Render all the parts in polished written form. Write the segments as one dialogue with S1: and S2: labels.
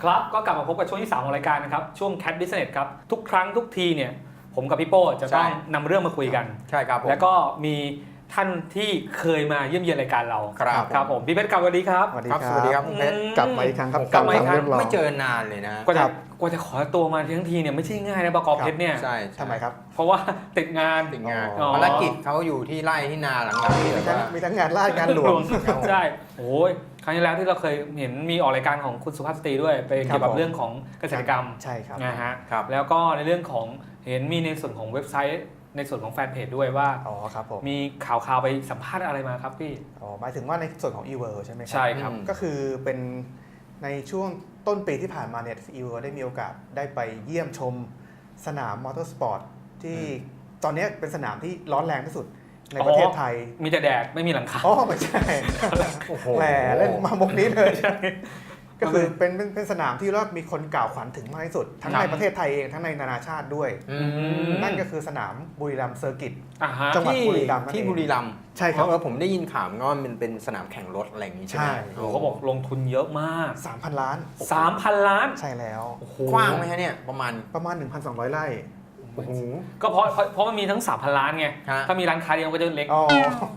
S1: ครับก็กลับมาพบกับช่วงที่3ของรายการนะครับช่วง Cat Business ครับทุกครั้งทุกทีเนี่ยผมกับพี่โป้จะต้องนำเรื่องมาคุยกัน
S2: ใช่ครับผม
S1: แล้วก็มีท่านที่เคยมาเยี่ยมเยียนรายการเรา
S2: ครับ
S1: ผมพี่เพชรกลับสวัสดีครับ
S3: สวัสดี
S2: ครับ
S3: ค
S2: ส
S3: รับ
S2: วัสดีครับคุณเพชร
S3: กลับมาอีกครั้งครับ
S1: กลับมาอีกครั้ง
S3: เรื่องราว
S2: ไม่เจอนานเลยนะ
S1: กว่าจะขอตัวมาทั้งทีเนี่ยไม่ใช่ง่ายนะบก.เพชรเนี่ย
S2: ใช่
S3: ทำไมครับ
S1: เพราะว่าติดงาน
S2: ติดงาน
S1: อ๋อ
S2: ภารกิจเขาอยู่ที่ไร่ที่นาหลังๆนี่
S3: มี
S2: แบบ
S3: ทั้ง
S2: ว่า
S3: มีทั้งงานราชงานหลวง
S1: ใช่โอ้ยครั้งที่แล้วที่เราเคยเห็นมีออกรายการของคุณสุภาพสตรีด้วยไปเกี่ยวกับเรื่องของเกษตรกรรม
S3: ใช่ครับ
S1: นะฮะ
S2: ครับ
S1: แล้วก็ในเรื่องของเห็นมีในส่วนของเว็บไซต์ในส่วนของแฟนเพจด้วยว่า
S3: อ๋อครับผม
S1: มีข่าวไปสัมภาษณ์อะไรมาครับพี่
S3: อ๋อหมายถึงว่าในส่วนของ e-world ใช่ไหมครั
S1: ใช่ครับ
S3: ก็คือเป็นในช่วงต้นปีที่ผ่านมาเนี่ย e-world ได้มีโอกาสได้ไปเยี่ยมชมสนามมอเตอร์สปอร์ตที่ตอนนี้เป็นสนามที่ร้อนแรงที่สุดในประเทศไทย
S1: มีแต่แดดไม่มีหลังคา
S3: อ๋อไม่ใช่
S2: โอ้โห
S3: แหมเล่นมามุกนี้เลยก็คือเป็นสนามที่ว่ามีคนกล่าวขวัญถึงมากที่สุด ทั้งในประเทศไทยเองทั้งในนานาชาติด้วย
S2: อืม
S3: นั่นก็คือสนามบุรีรัมย์เซอร์กิต
S1: อ่าฮะ
S3: จังหวัด
S2: ที่
S3: บุรีรัมย์นั่นเอง
S2: ที่บุรีรัมย์
S3: ใช่ครับ
S2: ผมได้ยินข่าวว่ามันเป็นสนามแข่งรถอะไรอย่างนี้ใช่ไหม
S3: ใช่
S1: โอ้เขาบอกลงทุนเยอะมาก
S3: 3,000 ล้าน
S1: 3,000 ล้าน
S3: ใช่แล้ว
S1: โอ้โห
S2: กว้างไหมฮะเนี่ยประมาณ
S3: ประมาณ 1,200 ไร่
S2: โอ้โห
S1: ก็เพราะมันมีทั้ง 3,000 ล้านไง
S2: ฮะ
S1: ถ้ามีร้านค้าเดียวก็จะเล็ก
S3: อ๋อ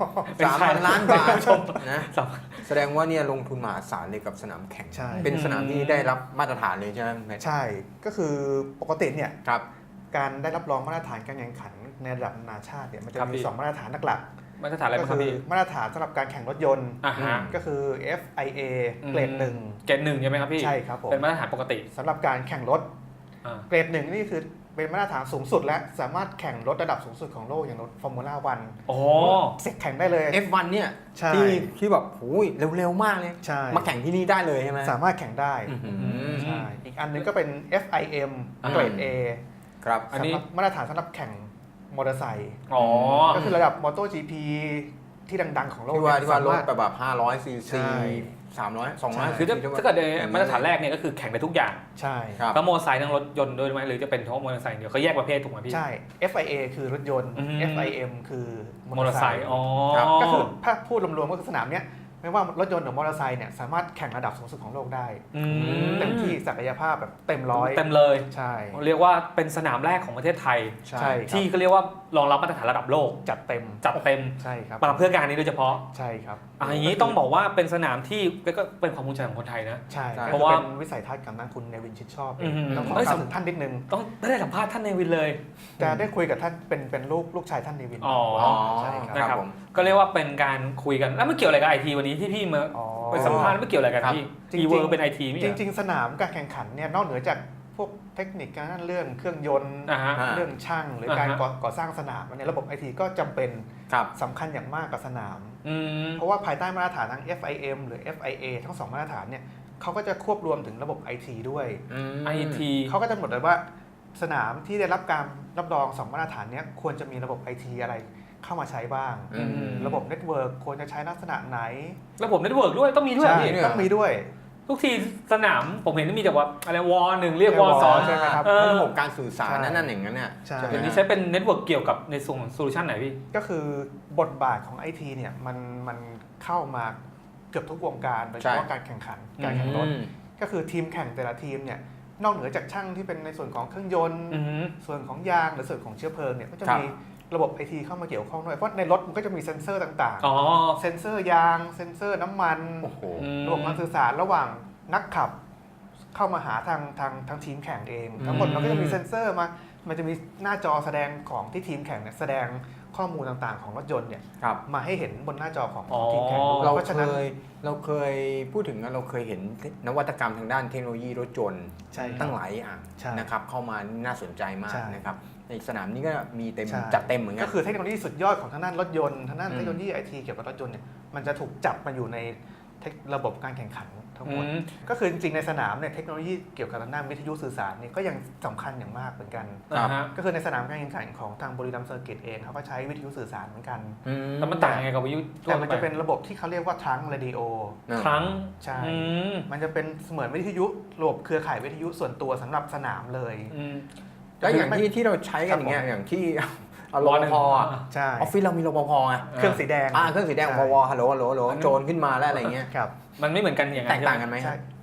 S2: 3,000 ล้านบาทนะ
S1: สาม
S2: แสดงว่าเนี่ยลงทุนมหาศาลเลยกับสนามแข่ง
S3: ใช่
S2: เป็นสนามที่ได้รับมาตรฐานเลยใช่ไหมคุณเพชร
S3: ใช่ ก็คือปกติเนี่ย
S2: ครับ
S3: การได้รับรองมาตรฐานการแข่งขันในระดับนานาชาติเนี่ยมันจะ
S1: ครับ
S3: มี
S1: พี่
S3: 2 มาตรฐานหลัก
S1: มาตรฐานอะไร
S3: ๆก็
S1: บ้างครับ
S3: คือ
S1: พี่
S3: มาตรฐานสำหรับการแข่งรถยนต์
S1: อ่าฮะ
S3: ก็คือ FIA เกรด
S1: เกรดหนึ่งใช่ไหมครับพี่
S3: 1ใช่ครับผม
S1: เป็นมาตรฐานปกติ
S3: สำหรับการแข่งรถ
S1: อ่า
S3: เกรด 1นี่คือเป็นมาตรฐานสูงสุดและสามารถแข่งรถระดับสูงสุดของโลกอย่างรถฟอร์มูล่าวัน
S1: โอ้
S3: เสร็จแข่งได้เลย
S2: F1 เนี่ย
S3: ใช่
S2: ที่แบบโอ้ยเร็วๆมากเลย
S3: ใช่
S2: มาแข่งที่นี่ได้เลยใช่ไหม
S3: สามารถแข่งได้
S2: อื้อหือ
S3: ใช่อีกอันหนึงก็เป็น FIM
S1: อ่า
S3: เกรด A
S2: ครับ
S1: อันนี้
S3: สำหรับมาตรฐานสำหรับแข่งมอเตอร์ไซค์
S1: อ๋อ
S3: ก็คือระดับมอเตอร์ GP ที่ดังๆของโลก
S2: ที่ว่า
S3: เนี่ย
S2: ที่ว่ารถ
S3: สมรถ
S2: แบบ500 ซี
S3: ใช่
S2: ซี300 200
S1: คือถ้าเกิดในมาตรฐานแรกเนี่ยก็คือแข่งได้ทุกอย่าง
S3: ใช่
S2: ครับ
S1: ทั้งมอเตอร์ไซค์ทั้งรถยนต์ด้วยไหมหรือจะเป็นเฉพาะมอเตอร์ไซค์อย่างเดียวเขาแยกประเภทถูกไหมพี่
S3: ใช่ FIA คือรถยนต์
S1: อืม
S3: FIM คือ
S1: มอเตอร์ไซค์อ๋อ
S3: ก็คือถ้าพูดรวมๆก็คือสนามเนี้ยไม่ว่ารถยนต์หรือมอเตอร์ไซค์เนี่ยสามารถแข่งระดับสูงสุดของโลกได้
S1: อืม
S3: เต็มที่ศักยภาพแบบเต็มร้อย
S1: เต็มเลย
S3: ใช่
S1: เรียกว่าเป็นสนามแรกของประเทศไทย
S3: ใช่
S1: ที่เขาเรียกว่ารองรับมาตรฐานระดับโลก
S3: จัดเต็ม
S1: จัดเต็ม
S3: ใช่ครับ
S1: มาเพื่อการนี้โดยเฉพาะ
S3: ใช่ครับ
S1: อย่างนี้ต้องบอกว่าเป็นสนามที่ก็เป็นความภูมิใจของคนไทยนะ
S3: ใช่
S2: ใช่
S3: เพ
S1: เพ
S3: ราะ
S1: ราะ
S3: ว่า
S1: ว่า
S3: เป็นวิสัยทัศน์กับนักคุณเนวินชิดชอบ
S1: อืม
S3: ต้องขอ
S1: เอ้ย
S3: กล่าวถึงท่านนิดนึง
S1: ต้องได้สัมภาษณ์ท่านเนวินเลย
S3: จะได้คุยกับท่านเป็นลูกชายท่านเนวิน
S1: อ๋อ
S3: ใช่ครับ
S1: นะครับ
S2: ผม
S1: ก็เรียกว่าเป็นการคุยกันแล้วไม่เกี่ยวอะไรกับไอทีวันนี้ที่พี่มา
S3: อ๋อ
S1: ไปสัมภาษณ์ไม่เกี่ยวอะไรกัน
S2: ครับ
S1: พี่
S3: จริงๆ
S1: อีเวิร์เป็นไอทีไม่
S3: จ
S1: ใช่เหรอ
S3: ริงๆ สนามการแข่งขันเนี่ยนอกเหนือจากพวกเทคนิคการเรื่องเครื่องยนต์
S1: อ่าฮะ
S2: อ่า
S3: เรื่องช่างหรือการ
S1: อ่าฮะ
S3: ก่อสร้างสนามเนี่ยระบบไอทีก็จำเป็น
S2: ครับ
S3: สำคัญอย่างมากกับสนาม
S1: อืม
S3: เพราะว่าภายใต้มาตรฐานทั้ง FIM หรือ FIA ทั้ง 2 มาตรฐานเนี่ยเขาก็จะควบรวมถึงระบบ IT ด้วย
S1: ไอที
S3: เขาก็จะกำหนดเลยว่าสนามที่ได้รับการรับรอง 2 มาตรฐานเนี้ยควรจะมีระบบ IT อะไรเข้ามาใช้บ้าง
S2: อืม
S3: ระบบเน็ตเวิร์กควรจะใช้ลักษณะไหน
S1: ระบบเน็ตเวิร์กด้วยต้องมีด้วยเหรอ
S3: ใช่
S1: พี่
S3: ต้องมีด้วย
S1: ทุกทีสนามผมเห็นมีแต่ว่าอะไรวอหนึ่งเรียกวอ
S3: เรียก
S1: สอง
S3: ใช่ไหมครับ
S1: เออ
S2: ระบบการสื่อสาร
S3: ใช่
S2: นั่นอย่างนั้นเนี่ย
S3: ใช่
S2: ไหม
S1: เดี๋ยวนี้
S2: ฮะ
S1: ใช้เป็นเน็ตเวิร์กเกี่ยวกับในส่วนของโซลูชันไหนพี่
S3: ก็คือบทบาทของ IT เนี่ยมันเข้ามาเกือบทุกวงการโดยเฉพาะการแข่งขันการแข่งรถ ก็คือทีมแข่งแต่ละทีมเนี่ยนอกเหนือจากช่างที่เป็นในส่วนของเครื่องยนต์
S1: อืม
S3: ส่วนของยางหรือส่วนของเชื้อเพลิงเนี่ยก็จะ
S2: ครับ
S3: มีระบบไอทีเข้ามาเกี่ยวข้องด้วยเพราะในรถมันก็จะมีเซ็นเซอร์ต่าง
S1: อ๋อ
S3: ๆ เซ็นเซอร์ยาง เซ็นเซอร์น้ำมัน
S2: โอ้โห
S3: ระบบการสื่อสารระหว่างนักขับ เข้ามาหาทางทีมแข่งเอง ทั้งหมดมันก็จะมีเซ็นเซอร์มันจะมีหน้าจอแสดงของที่ทีมแข่งเนี่ยแสดงข้อมูลต่างๆของรถยนต์เนี่ย
S2: ครับ
S3: มาให้เห็นบนหน้าจอของ
S1: อ๋อ
S3: ทีมแข่งด้วย
S2: เรา
S3: เพราะฉะ
S2: เค
S3: นั้น
S2: ยพูดถึงเราเคยเห็นนวัตกรรมทางด้านเทคโนโลยีรถยนต์
S3: ใช่ครับ
S2: ตั้งหลายอย่าง
S3: ใช่
S2: นะครับเข้ามาน่าสนใจมาก
S3: ใช่
S2: นะครับในสนามนี้ก็มีเต็ม
S3: ใช่
S2: จัดเต็มเหมือนกั
S3: ก็
S2: น
S3: คือเทคโนโลยีสุดยอดของทางด้านรถยนต์ทางด้าน
S2: อืม
S3: เทคโนโลยีไอทีเกี่ยวกับรถยนต์เนี่ยมันจะถูกจับมาอยู่ในระบบการแข่งขันทั้งหมด
S1: อืม
S3: ก็คือจริงๆในสนามเนี่ยเทคโนโลยีเกี่ยวกับทางด้านวิทยุสื่อสารเนี่ยก็ยังสำคัญอย่างมากเหมือนกัน
S1: อ่าฮะ
S3: ก็คือในสนามการแข่งขันของทางบุรีรัมย์เซอร์กิตเองเขาก็ใช้วิทยุสื่อสารเหมือนกัน
S1: แล้วมันต่างยังไงกับวิทยุทั่ว
S3: แต่มัน
S1: ไป
S3: จะเป็นระบบที่เขาเรียกว่าทรังเรดิโอ
S1: ครั้ง
S3: ใช่
S1: อืม
S3: มันจะเป็นเสมือนวิทยุระบบเครือข่ายวิทยุส่วนตัวสำหรับสนามเลย
S1: อืม
S2: แล้วอย่างที่เราใช้กันอย่างเงี้ยอย่างที่ร
S1: ว
S2: ป
S1: หนึ่ง
S2: ภ
S3: ใช่
S2: ออฟฟิศเรามีรปภไง
S3: เครื่องสีแดง
S2: เครื่องสีแดง
S3: ใช่
S2: วฮัลโหลโจรขึ้นมาแล้วอะไรเงี้ย
S3: ครับ
S1: มันไม่เหมือนกันอย่าง
S2: แต
S1: นั้น
S2: กต่างกันไหม
S3: ใช่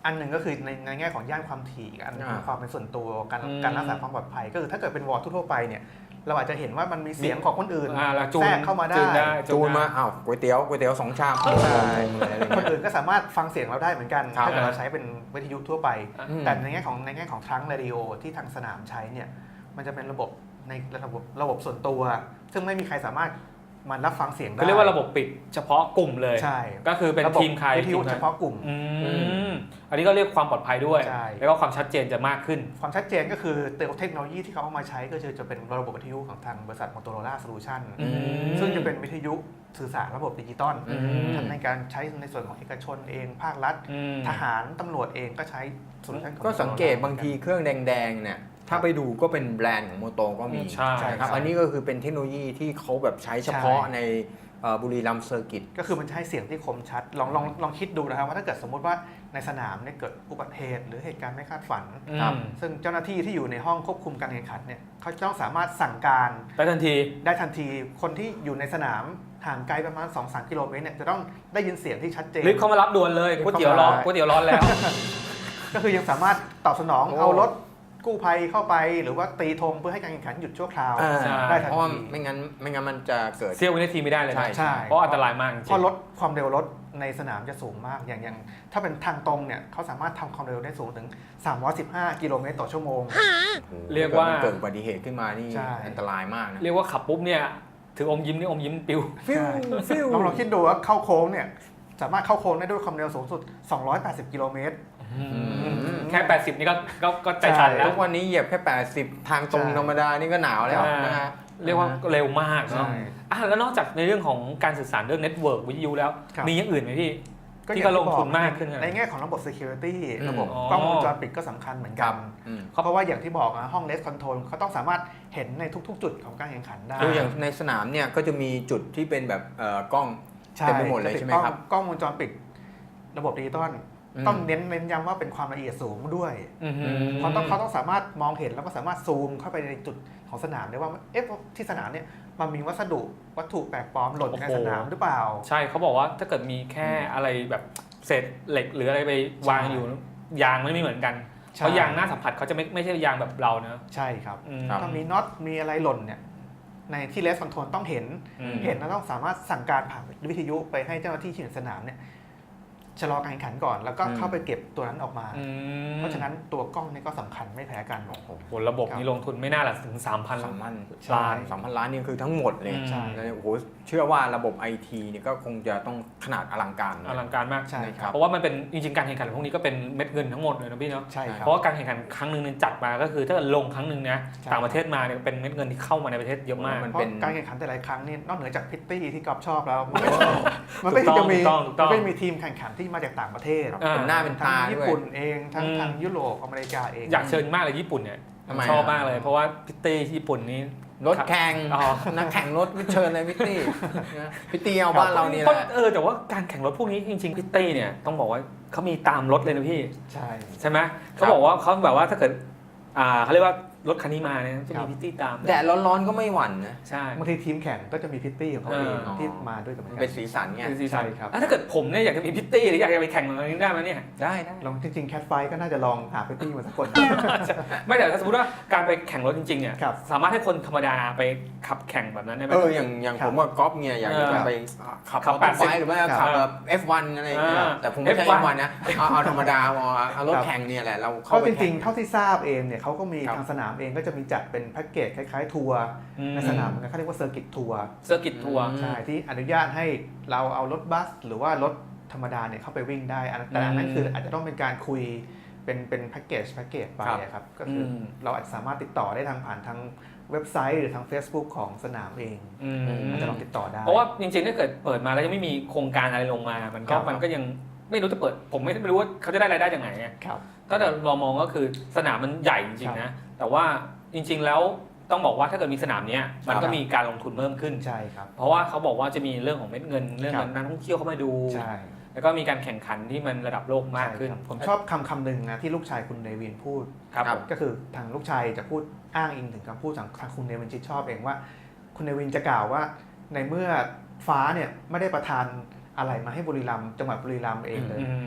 S3: อันหนึ่งก็คือในแง่ของย่านความถี่อันหนึงคือความเป็นส่วนตัวการรักษาความปลอดภัยก็คือถ้าเกิดเป็นวอลทั่วไปเนี่ยเราอาจจะเห็นว่ามันมีเสียงของคนอื่น
S1: แล้วจูน
S3: แทรกเข้ามาได้
S2: จูนมาอ้าวก๋วยเตี๋ยว2 ชาม
S3: ใช่
S2: อะไรอย่าง
S3: คน
S2: เงี้ย
S3: อื่นก็สามารถฟังเสียงเราได้เหมือนกัน
S2: ครับ
S3: ถ้าเกิดเราใช้เป็นวิทยุทั่วไป
S2: อืม
S3: แต่ในแง่ของทรังเรดิโอที่ทางสนามใช้เนี่ยมันจะเป็นระบบในระบบส่วนตัว ซึ่งไม่มีใครสามารถมันรับฟังเสียงได้
S1: ก็เรียกว่าระบบปิดเฉพาะกลุ่มเลย
S3: ใช่
S1: ก็คือเป็น
S3: ระบบ
S1: ทีมใคร
S3: วิทยุ
S1: ทีมใคร
S3: เฉพาะกลุ่ม
S1: อันนี้ก็เรียกความปลอดภัยด้วย
S3: ใช่
S1: แล้วก็ความชัดเจนจะมากขึ้น
S3: ความชัดเจนก็คือเทคโนโลยีที่เขาเอามาใช้ก็คือจะเป็นระบบวิทยุของทางบริษัท Motorola Solution
S2: อืม
S3: ซึ่งจะเป็นวิทยุสื่อสารระบบดิจิตอล
S2: อืม
S3: ทั้งในการใช้ในส่วนของเอกชนเองภาครัฐ ทหารตำรวจเองก็ใช้โซลูชันของ
S2: ก็สังเกตบางทีเครื่องแดงๆเนี่ยถ้าไปดูก็เป็นแบรนด์ของโมโตก็มี
S1: ใช่
S2: ครับอันนี้ก็คือเป็นเทคโนโลยีที่เขาแบบใช้เฉพาะในบุรีรัมย์เซอร์กิต
S3: ก็คือมันจะให้เสียงที่คมชัดลองคิดดูนะครับว่าถ้าเกิดสมมุติว่าในสนามเนี่ยเกิดอุบัติเหตุหรือเหตุการณ์ไม่คาดฝัน
S2: ครับ
S3: ซึ่งเจ้าหน้าที่ที่อยู่ในห้องควบคุมการแข่งขันเนี่ยเขาจะต้องสามารถสั่งการ
S1: ได้ทันที
S3: ได้ทันทีคนที่อยู่ในสนามห่างไกลประมาณ 2-3 กิโลเมตรเนี่ยจะต้องได้ยินเสียงที่ชัดเจน
S1: รีบเข้ามารับด่วนเลยก๋วยเตี๋ยวร้อนก๋วยเตี๋ยวร้อนแล้ว
S3: ก็คือยังสามารถตอบสนอง
S2: โอ้
S3: เอารถกู้ภัยเข้าไปหรือว่าตีธงเพื่อให้การแข่งขันหยุดชั่วคราว
S1: ใช่
S3: ได้ทัน
S2: เพราะว่า
S3: ที
S2: ไม่งั้นมันจะเกิด
S1: เสี้ยววินาทีไม่ได้เลยนะ
S2: ใช่
S1: เพราะอันตรายมากจริง
S3: เพราะรถความเร็วรถในสนามจะสูงมากอย่างถ้าเป็นทางตรงเนี่ยเขาสามารถทำความเร็วได้สูงถึง 315 กิโลเมตรต่อชั่วโมง
S1: เรียกว่า
S2: เกิดอุบัติเหตุขึ้นมานี่
S3: ใช่
S2: อันตรายมากนะ
S1: เรียกว่าขับปุ๊บเนี่ยถึงอมยิ้มนี่อมยิ้มปิว
S2: ฟิวฟิว
S3: ลองคิดดูว่าเข้าโค้งเนี่ยสามารถเข้าโค้งได้ด้วยความเร็วสูงสุด 280 กิโลเมตร
S1: แค่ 80 นี่ก็ใจสั่นแล้
S2: ทุ
S1: ว
S2: กวันนี้เหยียบแค่80ทางตรง
S3: ใช่
S2: ธรรมดานี่ก็หนาวแล้วนะฮะ
S1: เรียกว่าเร็วมากเนาะ
S3: ใช่
S1: แล้วนอกจากในเรื่องของการสื่อสารเรื่องเน็ตเวิร์กวิทยุแล้ว
S3: ครับ
S1: มีอย่างอื่นไหมพี่
S3: ก็
S1: ที่
S3: อย่
S1: ก็
S3: ง
S1: ลงทุนมากขึ้น
S3: ในแง่ของระบบ security
S2: อืม
S3: ระบบ
S1: อ๋อ
S3: กล้องวงจรปิดก็สำคัญเหมือนกัน
S2: อืม
S3: เพราะว่าอย่างที่บอกนะห้อง Race Control เขาต้องสามารถเห็นในทุกๆ จุดของการแข่งขันได้
S2: คืออย่างในสนามเนี่ยก็จะมีจุดที่เป็นแบบกล้อง เต็มไปหมดเลยใช่ไหมครับ
S3: กล้องวงจรปิดระบบดิจิตอล
S2: อืม
S3: ต้องเน้นย้ำว่าเป็นความละเอียดสูงด้วย เขาต้องสามารถมองเห็นแล้วก็สามารถซูมเข้าไปในจุดของสนามได้ว่าเอ๊ะที่สนามเนี่ยมันมีวัตถุแปลกปลอมหล่นในสนามหรือเปล่า
S1: ใช่เขาบอกว่าถ้าเกิดมีแค่อะไรแบบเศษเหล็กหรืออะไรไปวางอยู่ยางไม่เหมือนกัน
S3: ใช่
S1: เพราะยางหน้าสัมผัสเขาจะไม่ใช่ยางแบบเราเนอะ
S3: ใช่ครับ
S2: ครับ
S3: ถ้ามีน็อตมีอะไรหล่นเนี่ยในที่เลสคอนโทรลต้องเห็น เห็นแล้วต้องสามารถสั่งการผ่านวิทยุไปให้เจ้าหน้าที่ที่อยู่ในสนามเนี่ยชะลอการแข่งขันก่อน แล้วก็เข้าไปเก็บตัวนั้นออกมา เพราะฉะนั้นตัวกล้องนี่ก็สำคัญไม่แพ้กัน
S1: ผลระบบนี้ลงทุนไม่น่าหละถึง 3,000
S2: ล้าน2,000 ล้านนี่คือทั้งหมดเลย
S1: ใช่
S2: แล้วโอ้โหเชื่อว่าระบบไอทีเนี่ยก็คงจะต้องขนาดอลังการนะ
S1: อลังการมาก
S3: ใช่ครับ
S1: เพราะว่ามันเป็นจริงๆการแข่งขันพวกนี้ก็เป็นเม็ดเงินทั้งหมดเลยนะพี่เนาะ
S3: ใช่ครั
S1: เพราะว่าการแข่งขันครั้งหนึ่งจัดมาก็คือถ้าเกิดลงครั้งหนึ่งนะ
S3: ใช่
S1: ต่างประเทศมาเนี่ยเป็นเม็ดเงินที่เข้ามาในประเทศเยอะมาก
S2: มัน
S3: เพราะ
S2: เป็น
S3: การแข่งขันแต่ละครั้งนี่นอกเหนือจากพิตตี้ที่กอล์ฟชอบแล้วมันไม่จะมี
S1: ถูกต้อง
S3: ไม่มีทีมแข่งขันที่มาจากต่างประเทศ
S2: เป็นหน้าเป็น
S3: ทั้ง
S2: ตา
S3: ญี่
S2: ด้วย
S3: ปุ่นเองทั้งทางยุโรปอเมริกาเอง
S1: อยากเชิญมากเลยญี่ปุ่นเนี่ย
S2: ทำไม
S1: ชอบ
S2: อ่ะ
S1: มากเลยเพราะว่าพิตตี้ญี่ปุ่นนี้
S2: รถแข่ง
S1: อ๋อ
S2: นักแข่งรถไม่เชิญเลยพิตตี้นะพิตตี้เอาบ้านเรานี่แหละ
S1: แต่ว่าการแข่งรถพวกนี้จริงๆพิตตี้เนี่ยต้องบอกว่าเขามีตามรถเลยนะพี่
S3: ใช่
S1: ใช่ไหมเขาบอกว่าเขาแบบว่าถ้าเกิดเขาเรียกว่ารถคันนี้มาเนี่ยจะมีพิตตี้ตาม
S2: แดดร้อนๆก็ไม่หวั่นนะ
S1: ใช่
S3: บางทีทีมแข่งก็จะมีพิตตี้ของเขาเอง
S2: อ๋อ
S3: ที่มาด้วยกับเหมือน
S2: เป็
S3: กัน น
S2: สีสันไง
S1: เป็นซีซั่น
S3: ใช่ครับ
S1: ถ้าเกิดผมเนี่ยอยากจะมีพิตตี้หรืออยากจะไปแข่งอะไรนี้ได้ไหมเนี่ย
S2: ได้
S3: ลองจริงๆแคทไฟก็น่าจะลองหาพิตตี้มาสักคน
S1: ไม่แต่ถ้าสมมติว่าการไปแข่งรถจริงๆเนี่ย
S3: ครับ
S1: สามารถให้คนธรรมดาไปขับแข่งแบบนั้นได้ไหม
S2: อย่างผมกับก๊อฟเนี่ยอยากจะไปขับ
S1: ขับ
S2: มอเตอร์ไซ
S1: 80
S2: ค์หรือว่าขับแบบ F1 อะไรอย่างเงี้ยแต่ผมไม่ใช่
S1: F1
S2: F1 นะเอาธรรมดาเอารถแข่งเนี่ยแหละเราเข้า
S3: เขา
S2: ไป
S3: จริงๆ เท่าที่ทราบเองเนี่ยเขาก็มี
S2: ครับ
S3: ทางสนามเองก็จะมีจัดเป็นแพ็กเกจคล้ายๆทัวร์ในสนามเหมือนกันเขาเรียกว่าเซอร์กิตทัวร์
S1: เซอร์กิตทัวร์
S3: ใช่ที่อนุญาตให้เราเอารถบัสหรือว่ารถธรรมดาเนี่ยเข้าไปวิ่งได้แต่อันนั้นคืออาจจะต้องเป็นการคุยเป็นแพ็กเกจไปอะครับก็คือเราอาจจะสามารถติดต่อได้ทางผ่านทางเว็บไซต์หรือทาง Facebook ของสนามเองอาจจะลองติดต่อได้
S1: เพราะว่าจริงๆถ้าเกิดเปิดมาแล้วยังไม่มีโครงการอะไรลงมา มันก็ยังไม่รู้จะเปิดผมไม่รู้ว่าเขาจะได้รายได้จากไหนไง
S3: ครับ
S1: ถ้าเรามองก็คือสนามมันใหญ่จริงๆนะแต่ว่าจริงๆแล้วต้องบอกว่าถ้าเกิดมีสนามเนี้ยมันก็มีการลงทุนเพิ่มขึ้น
S3: ใช่ครับ
S1: เพราะว่าเขาบอกว่าจะมีเรื่องของเม็ดเงินเรื่องนักท่องเที่ยวเข้ามาดู
S3: ใช่
S1: แล้วก็มีการแข่งขันที่มันระดับโลกมากขึ้น
S3: ใช่ครับผมชอบคำหนึ่งนะที่ลูกชายคุณเนวินพูด
S1: ครับผม
S3: ก็คือทางลูกชายจะพูดอ้างอิงถึงคำพูดของทางคุณเนวินชิดชอบเองว่าคุณเนวินจะกล่าวว่าในเมื่อฟ้าเนี่ยไม่ได้ประทานอะไรมาให้บุรีรัมย์จังหวัดบุรีรัมย์เองเลย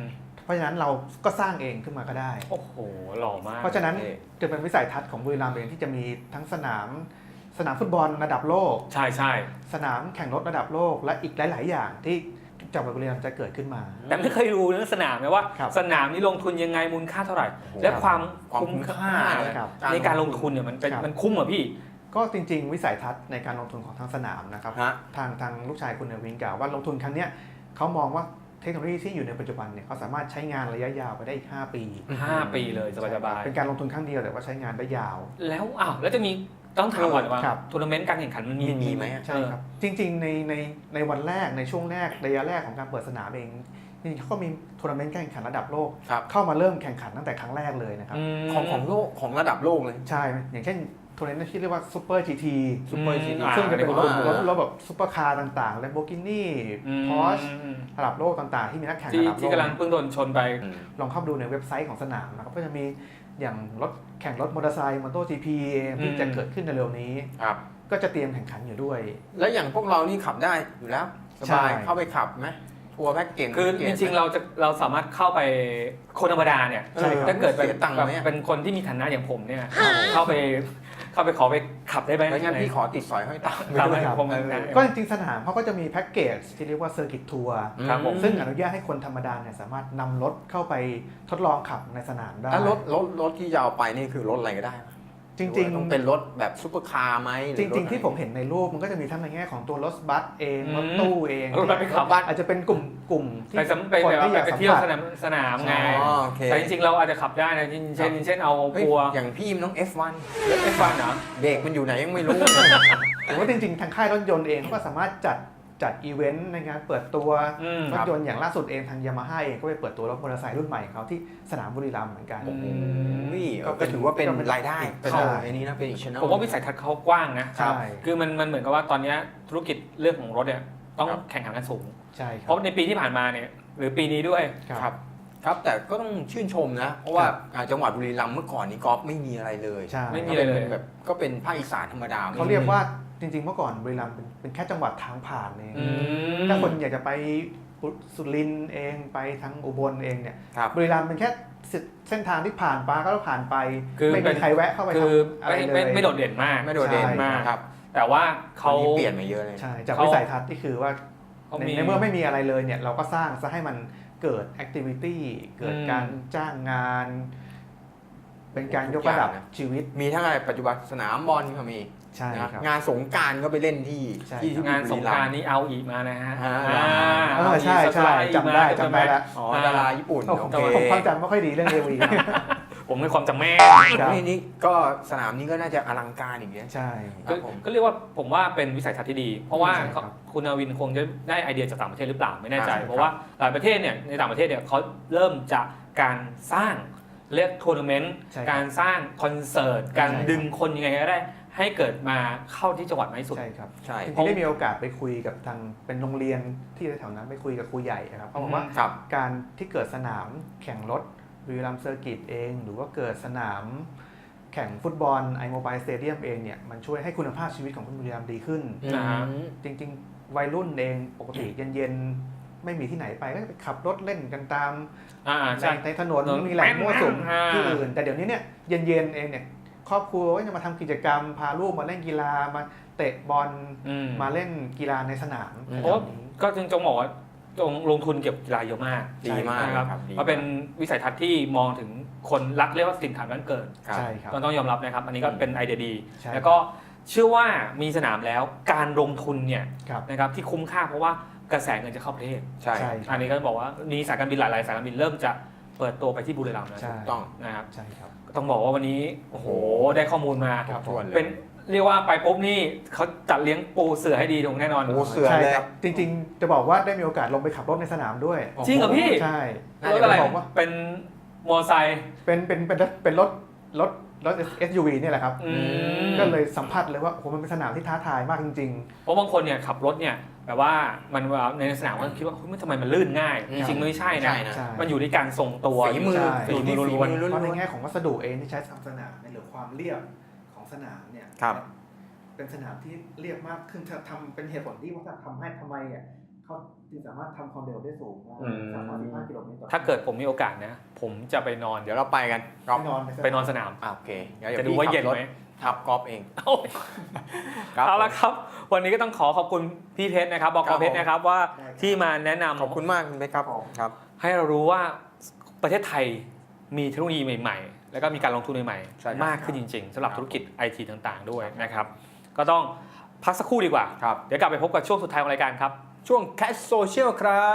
S3: เพราะฉะนั้นเราก็สร้างเองขึ้นมาก็ได้
S1: โอ้โหหล่อมาก
S3: เพราะฉะนั้นจะเป็นวิสัยทัศน์ของบุรีรัมย์เองที่จะมีทั้งสนามฟุตบอลระดับโลก
S1: ใช่ใช่
S3: สนามแข่งรถระดับโลกและอีกหลาย ๆ อย่างที่จังหวัดบุรีรัมย์จะเกิดขึ้นมา
S1: แต่ไม่เคยรู้เรื่องสนามนะว่า
S3: ครับ
S1: สนามนี้ลงทุนยังไงมูลค่าเท่าไหร่ และความคุ้มค่า
S3: ครับ
S1: ในการลงทุนเนี่ยมันเป็น
S3: ครับ
S1: มันคุ้มเหรอพี่
S3: ก็จริง ๆ วิสัยทัศน์ในการลงทุนของทางสนามนะครับ
S2: ฮะ
S3: ทางลูกชายคุณเนวินกล่าวว่าลงทุนครั้งเนี้ยเขามองว่าเทคโนโลยีที่อยู่ในปัจจุบันเนี่ยเขาสามารถใช้งานระยะยาวไปได้อีก 5 ปี
S1: 5 ปีเลยสบาย
S3: เป็นการลงทุนครั้งเดียวแต่ว่าใช้งานได้ยาว
S1: ๆแล้วแล้วจะมีต้องถามก่อนว่า
S3: ครับ
S1: ทัวร์นาเมนต์การแข่งขันมันมี
S2: ไหม
S3: ใช่ครับจริงๆในวันแรกในช่วงแรกระยะแรกของการเปิดสนามเองจริงๆเขาก็มีทัวร์นาเมนต์การแข่งขันระดับโลก
S2: ครับ
S3: เข้ามาเริ่มแข่งขันตั้งแต่ครั้งแรกเลยนะครับ
S2: ของโลกของระดับโลกเลย
S3: ใช่อย่างเช่นทัวร์นาเมนต์ที่เรียกว่าซูเปอร์จีที
S2: Super GT
S3: ซึ่งจะเป็นรถ
S2: อ่า
S3: รถแบบซุปเปอร์คาร์ต่างๆ Lamborghini Porsche ระดับโลกต่างๆ ที่มีนักแข่ง
S1: ที่
S3: ระดับโล
S1: ที่
S3: ก
S1: กำลังเพิ่งโดนชนไป
S3: ลองเข้าไปดูในเว็บไซต์ของสนามนะครับก็จะมีอย่างรถแข่งรถมอเตอร์ไซค์มอเตอร์จีพีที่จะเกิดขึ้นในเร็วนี้
S2: ครับ
S3: ก็จะเตรียมแข่งขันอยู่ด้วย
S2: แล้วอย่างพวกเรานี่ขับได้อยู่แล้วส
S3: ใช่
S2: บายเข้าไปขับไหมทัวร์แพ็กเกจ
S1: คือจริงๆเราสามารถเข้าไปคนธรรมดาเนี่ย
S3: ใช่ครับ
S1: ถ้าเกิดแบบ
S2: เสียตังค์ไหม
S1: เป็นคนที่มีฐานะอย่างผมเนี่ยเข้าไปขอไปขับได้ไหม
S2: แล้วงั้นพี่ขอติดสอยห้อยตาม
S1: ตามให้
S3: ครับ
S1: ผม
S3: ก็จริงๆสนามเขาก็จะมีแพ็กเกจที่เรียกว่าเซอร์กิตทัวร์
S1: ครับผม
S3: ซึ่งอนุญาตให้คนธรรมดาเนี่ยสามารถนำรถเข้าไปทดลองขับในสนามได้
S2: แล้วรถที่จะเอาไปนี่คือรถอะไรก็ได้ไหม
S3: จริง
S2: ต้องเป็นรถแบบซุปเปอร์คาร์ไหมห
S3: ๆ จ
S2: อ
S3: ริง ๆ ที่ผม
S2: ถ
S3: เห็นในรูปมันก็จะมีทั้งในแง่ของตัวรถบัสเองรถตู้เอง
S1: รถบัสไปขับ
S3: อาจจะเป็นกลุ่มที่
S1: ไป
S3: คน
S1: แบบ
S3: ที่อยาก
S1: ไป
S3: สัม
S1: เที่ยว
S3: ผัส
S1: สนามไง
S2: อ๋อโอเค
S1: แต่จริงๆเราอาจจะขับได้นะเช่นเอา
S2: เฮ้ย
S1: ปัว
S2: อย่างพี่มันต้อง F1
S1: เอฟวันเหรอ
S2: เบรกมันอยู่ไหนยังไม่รู้
S3: หรือว่าจริงๆ ทางค่ายรถยนต์เองเขาก็สามารถจัดอีเวนต์ในงานเปิดตัวรถยนต์อย่างล่าสุดเองทางยามาฮ่าเองก็ไปเปิดตัวรถมอเตอร์ไซค์รุ่นใหม่ของเขาที่สนามบุรีรัมย์เหมือนกัน
S2: ก็ถือว่าเป็นรายได้
S3: เป็น
S2: เข้าร
S3: ายได้
S2: ในนี้นะเป็นอีกช anel
S1: ผมว่าวิสัยทัศน์เขากว้างนะ
S3: ใช่
S1: คือมันเหมือนกับว่าตอนนี้ธุรกิจเรื่องของรถเนี่ยต้องแข่งขันกันสูง
S3: ใช่ค
S1: เพ
S3: รับ
S1: ราะในปีที่ผ่านมาเนี่ยหรือปีนี้ด้วย
S2: ครับครับแต่ก็ต้องชื่นชมนะ เพราะว่าจังหวัดบุรีรัมย์เมื่อก่อนนี้กอล์ฟไม่มีอะไรเลย
S3: ใช่
S1: ไม่มีอะไรเลย
S2: แบบก็เป็นภาคอีสานธรรมดา
S3: เขาเรียกว่าจริงๆ เมื่อก่อนบุรีรัมย์เป็นแค่จังหวัดทางผ่านเองถ้าคนอยากจะไปสุรินทร์เองไปทางอุบลเองเนี่ย
S2: ครับ
S3: บุรีรัมย์เป็นแค่เส้นทางที่ผ่านไปก็ผ่านไป
S1: คือ
S3: ไม่มีใครแวะเข้าไป
S1: คือ
S3: ทำอะไรเลย
S1: ไม่โดดเด่นมาก
S2: ไม่โดดเด่น
S3: ใช่
S2: มากครับ
S1: แต่ว่า
S2: เขา
S1: เขา
S2: เปลี่ยนมาเยอะเลย
S3: ใช่จาก
S1: เขา
S3: วิสัยทัศน์ที่คือว่า
S1: เขา
S3: ในเมื่อไม่มีอะไรเลยเนี่ยเราก็สร้างซะให้มันเกิดแอคทิวิตี้เกิดการจ้างงาน เป็นการยกระดับชีวิต
S2: มีทั้งอะไรปัจจุบันสนามบอลก็มี
S3: ใช่
S2: นะครับ งานสงกรารก็ไปเล่นที่
S3: ใช่
S2: ที่
S1: งานสงกรานต์นี้เอาอีกมานะฮะ
S3: ใช่ใช่จำได้แล้ว
S2: อ๋อดาราญี่ปุ่น
S3: โอ้
S2: โอ
S3: ผม
S2: เค
S3: ผมความจำไม่ค่อยดีเรื่องเอวี
S1: ผมในความจำแม่น
S3: ครับ
S2: นี่ก็สนามนี้ก็น่าจะอลังการอีกเนี่ย
S3: ใช่
S2: ครับผม
S1: ก็เรียกว่าผมว่าเป็นวิสัยทัศน์ที่ดี เพราะว่า
S3: ใช่ครับ
S1: คุณนาวินคงจะได้ไอเดียจากต่างประเทศหรือเปล่าไม่แน่ใจ
S2: ใช่ครับ
S1: เพราะว่าหลายประเทศเนี่ยในต่างประเทศเนี่ยเขาเริ่มจากการสร้างเรียกทัวร์นาเมนต์
S3: ใช่
S1: การสร้างคอนเสิร์ตการ
S3: ใช่ครับ
S1: ดึงคนยังไงก็ได้ให้เกิดมาเข้าที่จังหวัดมากที่สุด
S3: ใช่ครับ
S2: ใช่
S3: จริงๆได้มีโอกาสไปคุยกับทางเป็นโรงเรียนที่แถวนั้นไปคุยกับครูใหญ่นะครับเขาบอกว่า
S2: ครับ
S3: การที่เกิดสนามแข่งรถบุรีรัมย์เซอร์กิตเอง หรือว่าเกิดสนามแข่งฟุตบอลไอโมบายสเตเดียมเองเนี่ยมันช่วยให้คุณภาพชีวิตของคนบุรีรัมย์ดีขึ้น
S1: นะฮะ
S3: จริงๆ วัยรุ่นเองปกติเย็นๆ ไม่มีที่ไหนไปก็จะไปขับรถเล่นกันตาม
S1: ใช่
S3: ในถนนมีแหล่งมั่วสุม
S1: อ่า
S3: ที่อื่น แต่เดี๋ยวนี้เนี่ยเย็นๆเองเนี่ยครอบครัวก็จะมาทำกิจกรรมพาลูกมาเล่นกีฬามาเตะบอลมาเล่นกีฬาในสนาม
S1: เพราะก็จงบอกว่าจงลงทุนเกี่ยวกับกีฬาเยอะมาก
S2: ดีมาก
S1: นะครับ
S2: ครับดี
S1: มันเป็นวิสัยทัศน์ที่มองถึงคนรักเรียกว่าสินค้าบ้านเกิด
S2: ครับ
S3: ใช่ครับ
S1: ต้องยอมรับนะครับ อันนี้ก็เป็นไอเดียดี
S3: ใช่
S1: แล้วก็เชื่อว่ามีสนามแล้วการลงทุนเนี่ย
S3: ครับ
S1: นะครับที่คุ้มค่าเพราะว่ากระแสเงินจะเข้าประเทศ
S2: ใช่
S3: ใช่
S1: อันนี้ก็บอกว่ามีสายการบินหลายๆสายการบินเริ่มจะเปิดตัวไปที่บุรีรัมย์แล้ว
S3: ใช่
S2: ต้อง
S1: นะครับ
S3: ใช่ครับ
S1: ต้องบอกว่าวันนี้โอ้โหได้ข้อมูลมา
S3: ครับ
S2: ทวนเลย
S1: เป็นเรียกว่าไปปุ๊บนี่เขาจัดเลี้ยงปูเสือให้ดีตรงแน่นอน
S2: ปูเสือ
S3: ใช่
S2: เลย
S3: ครับจริงๆ จะบอกว่าได้มีโอกาสลงไปขับรถในสนามด้วย
S1: จริงเหรอพี่
S3: ใช่
S1: รถอะไร
S3: บอกว่า
S1: เป็นมอไซค์
S3: เป็นรถ SUV เนี่ยแหละครับ
S1: ม
S3: ก็เลยสัมผัสเลยว่าโอ้โหมันเป็นสนามที่ท้าทายมากจริง
S1: เพราะบางคนเนี่ยขับรถเนี่ยแบบว่ามันในสนามก็คิดว่าเฮ้ยมันทำไมมันลื่นง่าย จริงๆไม่ใช่นะ
S2: ใช่นะ
S3: ๆ ใช่
S1: มันอยู่ที่การทรงตัว
S2: ฝีมือ
S3: ใช่
S1: ฝีมือล้วน
S3: เพราะในแง่ของวัสดุเองที่ใช้ทำสนามเนี่ยหรือความเรียบของสนามเนี่ย
S2: ครับ
S3: เป็นสนามที่เรียบมากขึ้นทำเป็นเหตุผลที่ว่าทำให้ทำไมอ่ะเขาจึงสามารถทำความเร็วได้สูงได้
S2: อืม
S3: 315 กิโลเมตรต่อ
S1: ถ้าเกิดผมมีโอกาสนะ ผมจะไปนอน
S2: เดี๋ยวเราไปกันก๊อฟ
S3: ไปนอน
S1: สนาม
S2: โอเคงั้นเดี๋ย
S1: จะดูว่าเย็นไหม
S2: ขับก๊อฟเอง
S1: โอ้ย
S2: ครับ
S1: เอาละครับ วันนี้ก็ต้องขอขอบคุณพี่เพชรนะครับบกเพชรนะครับว่าที่มาแนะนำ
S2: ขอบคุณมากคุณเบคครับครับ
S1: ให้เรารู้ว่าประเทศไทยมีเทคโนโลยีใหม่ๆ แล้วก็มีการลงทุนใหม่
S2: ใช่ครับ
S1: ๆมากขึ้นจริงๆสำหรับธุรกิจไอทีต่างๆด้วยนะครับ ก็ต้องพักสักครู่ดีกว่า
S2: ครับ
S1: เดี๋ยวกลับไปพบกับช่วงสุดท้ายของรายการครับ
S2: ช่วง Catch Social ครับ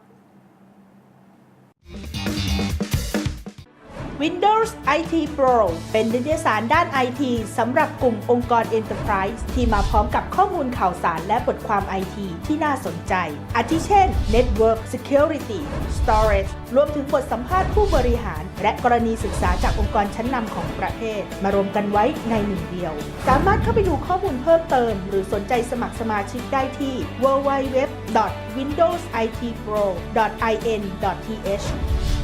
S4: Windows IT Pro เป็นนิตยสารด้าน IT สำหรับกลุ่มองค์กร Enterprise ที่มาพร้อมกับข้อมูลข่าวสารและบทความ IT ที่น่าสนใจ อาทิเช่น Network Security Storage รวมถึงบทสัมภาษณ์ผู้บริหาร และกรณีศึกษาจากองค์กรชั้นนำของประเทศ มารวมกันไว้ในหนึ่งเดียว สามารถเข้าไปดูข้อมูลเพิ่มเติม หรือสนใจสมัครสมาชิกได้ที่ www.windowsitpro.in.th